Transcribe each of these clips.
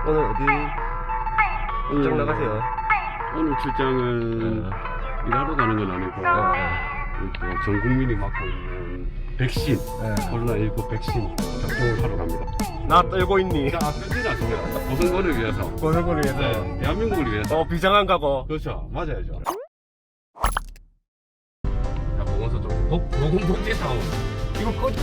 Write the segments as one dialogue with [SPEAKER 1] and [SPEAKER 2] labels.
[SPEAKER 1] 오늘 어디 출장 나가세요?
[SPEAKER 2] 오늘 출장은 일하러 가는 건 아니고 또 전 국민이 맞고 있는 백신, 코로나19 백신 접종을 하러 갑니다.
[SPEAKER 1] 나 떨고 있니?
[SPEAKER 2] 자, 편지는 않습니다. 보선거를 위해서,
[SPEAKER 1] 고생을 위해서.
[SPEAKER 2] 대한민국을 위해서.
[SPEAKER 1] 비장한 가고.
[SPEAKER 2] 그렇죠, 맞아야죠. 자, 보건소 좀 보건복지사원. 이거 꺼.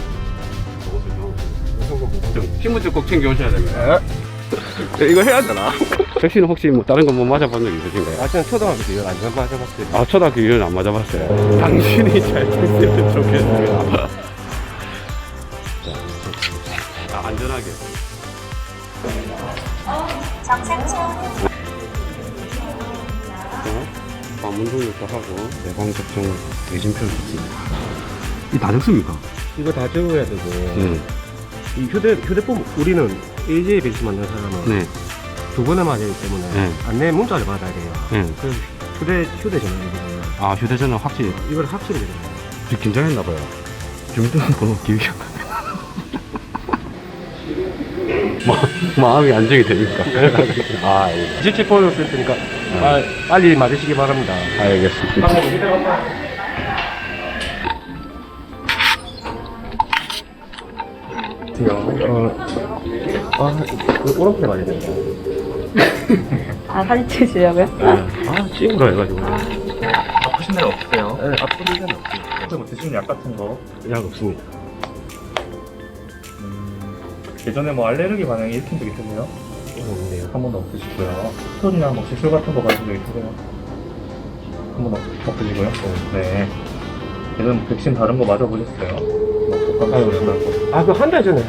[SPEAKER 2] 보건소 좀 신분증 꼭 챙겨오셔야 됩니다.
[SPEAKER 1] 이거 해야 되나?
[SPEAKER 2] 백신 혹시 뭐 다른 거 뭐 맞아본 적 있으신가요?
[SPEAKER 1] 아직은 초등학교 때 이걸 안 맞아봤어요.
[SPEAKER 2] 아, 초등학교 이후는 안 맞아봤어요. 당신이 잘 됐으면 좋겠습니다. 자, 안전하게. 방문 등록도 하고 예방접종 예진표를 줬습니다. 이 다 적습니까?
[SPEAKER 1] 이거 다 적어야 되고.
[SPEAKER 2] 네.
[SPEAKER 1] 이 휴대폰, 우리는 AJ 백신 만든 사람은
[SPEAKER 2] 네.
[SPEAKER 1] 2번에 맞아야 되기 때문에
[SPEAKER 2] 네.
[SPEAKER 1] 안내 문자를 받아야 돼요.
[SPEAKER 2] 네.
[SPEAKER 1] 그래서 휴대전화를
[SPEAKER 2] 아, 휴대전화 확실히
[SPEAKER 1] 이걸 합치게 되잖아요.
[SPEAKER 2] 긴장했나봐요. 주민등록번호 기억이 안 나네. 마음이 안정이 됩니까? 아, 예.
[SPEAKER 1] 실제 보였을 테니까 빨리 맞으시기 바랍니다.
[SPEAKER 2] 알겠습니다.
[SPEAKER 1] 오른편에 맞아야 됩니다.
[SPEAKER 3] 아, 사진 찍으시려고요?
[SPEAKER 1] 찍으라 해가지고.
[SPEAKER 4] 아프신 데는 없으세요?
[SPEAKER 1] 네, 아픈 데는 없어요.
[SPEAKER 4] 뭐 드시는 약 같은 거
[SPEAKER 1] 약 없습니다.
[SPEAKER 4] 예전에 뭐 알레르기 반응이 일으킨 적 있으세요?
[SPEAKER 1] 없네요.
[SPEAKER 4] 한 번도 없으시고요. 스톤이나 뭐 시술 같은 거 받은 적 있으세요? 한 번도 없으시고요? 네. 예전 백신 다른 거 맞아보셨어요? 뭐 독감
[SPEAKER 1] 그 한 달 전에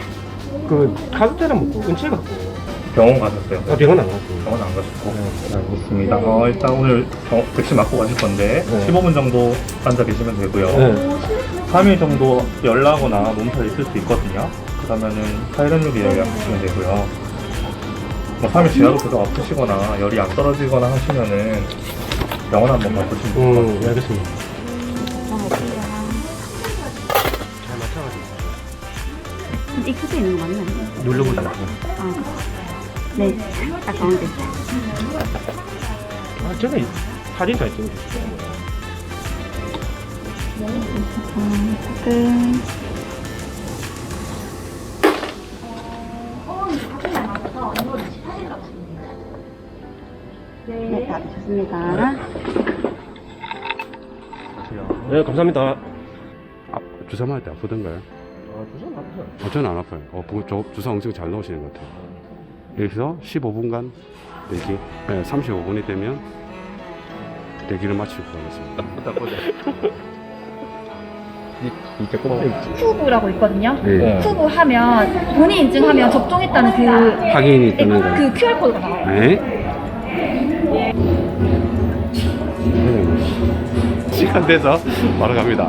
[SPEAKER 1] 가족들이랑 먹고 은채 갖고
[SPEAKER 4] 병원 가셨어요?
[SPEAKER 1] 병원 안 갔고.
[SPEAKER 4] 병원 안 가셨고? 네, 알겠습니다. 일단 오늘 백신 맞고 가실 건데 15분 정도 앉아 계시면 되고요. 3일 정도 열나거나 몸살 있을 수 있거든요. 그러면은 사이렌룩에 예약하시면 되고요. 뭐 3일 지나도 계속 아프시거나 열이 안 떨어지거나 하시면은 병원 한번 가보시면 좋을 것 같아요.
[SPEAKER 1] 알겠습니다. 잘 맞춰가지고.
[SPEAKER 3] 이 끝에 있는 거 맞나요?
[SPEAKER 1] 눌러보자.
[SPEAKER 3] 네, 딱 가운데.
[SPEAKER 1] 전에 사진 잘 찍으셨어요.
[SPEAKER 3] 끝. 네, 다 되셨습니다.
[SPEAKER 1] 네, 감사합니다.
[SPEAKER 2] 주사 맞을 때 아프던가요?
[SPEAKER 1] 주사 맞으세요?
[SPEAKER 2] 저는 안 아파요. 주사 엄청 잘 넣으시는 것 같아요. 여기서 15분간 대기, 35분이 되면 대기를 마치고 가겠습니다.
[SPEAKER 1] 이게 꼬마있지.
[SPEAKER 3] 큐브라고 있거든요.
[SPEAKER 2] 네.
[SPEAKER 3] 큐브 하면 본인 인증하면 접종했다는
[SPEAKER 2] 확인이 뜨는 거예요.
[SPEAKER 3] 그 QR코드가 나와요.
[SPEAKER 2] 네. 시간 돼서 바로 갑니다.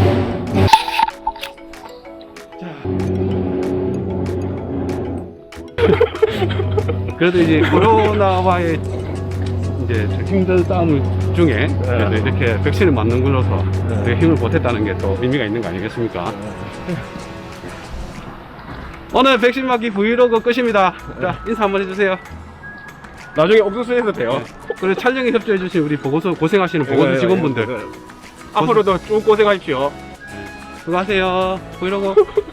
[SPEAKER 2] 그래도 이제 코로나와의 이제 힘든 싸움 중에 그래도 이렇게 백신을 맞는 걸로서 되게 힘을 보탰다는 게 또 의미가 있는 거 아니겠습니까? 오늘 백신 맞기 브이로그 끝입니다. 자, 인사 한번 해주세요.
[SPEAKER 1] 나중에 옥수수 해도 돼요.
[SPEAKER 2] 그리고 촬영에 협조해주신 우리 보건소 고생하시는 보건소 직원분들
[SPEAKER 1] 앞으로도 쭉 고생하십시오.
[SPEAKER 2] 수고하세요. 브이로그.